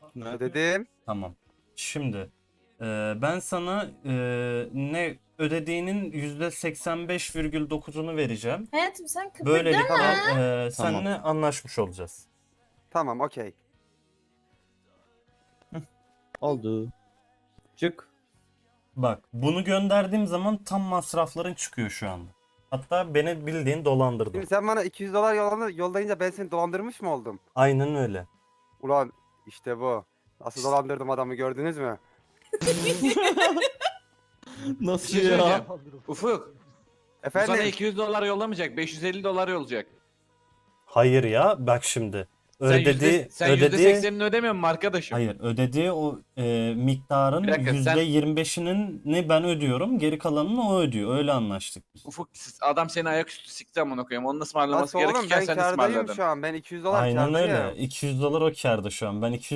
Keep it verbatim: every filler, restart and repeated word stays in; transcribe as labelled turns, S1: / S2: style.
S1: Ödedim.
S2: Tamam. Şimdi e, ben sana e, ne ödediğinin yüzde seksen beş virgül dokuzunu vereceğim.
S3: Hayatım sen kıpırdama.
S2: Böylelikle e,
S1: Tamam.
S2: seninle anlaşmış olacağız.
S1: Tamam okey.
S4: Oldu. Çık.
S2: Bak bunu gönderdiğim zaman tam masrafların çıkıyor şu anda. Hatta beni bildiğin dolandırdın.
S1: Şimdi sen bana iki yüz dolar yolla- yollayınca ben seni dolandırmış mı oldum?
S2: Aynen öyle.
S1: Ulan işte bu. Nasıl dolandırdım adamı gördünüz mü?
S4: Nasıl
S5: Bir şey
S4: ya?
S5: söyleyeceğim. Ufuk. Bu sana
S1: Efendim?
S5: iki yüz dolar yollamayacak. beş yüz elli dolar yollayacak.
S2: Hayır ya bak şimdi.
S5: Sen
S2: Ödediği,
S5: yüzde, sen yüzde
S2: ödediği,
S5: seksenini ödemiyor musun arkadaşım?
S2: hayır ödediği o e, miktarın
S5: Bir dakika,
S2: yüzde
S5: sen-
S2: yirmi beşinin ne ben ödüyorum, geri kalanını o ödüyor. Öyle anlaştık biz.
S5: Ufuk adam seni ayaküstü sikti amına koyayım. Onun ısmarlaması
S1: Nasıl oğlum
S5: gerekirken
S1: ben
S5: sen
S1: kârdayım
S5: ısmarladın.
S1: şu an. Ben iki yüz dolar
S2: Aynen
S1: kârdayım.
S2: öyle. iki yüz dolar o kârda şu an. Ben iki yüz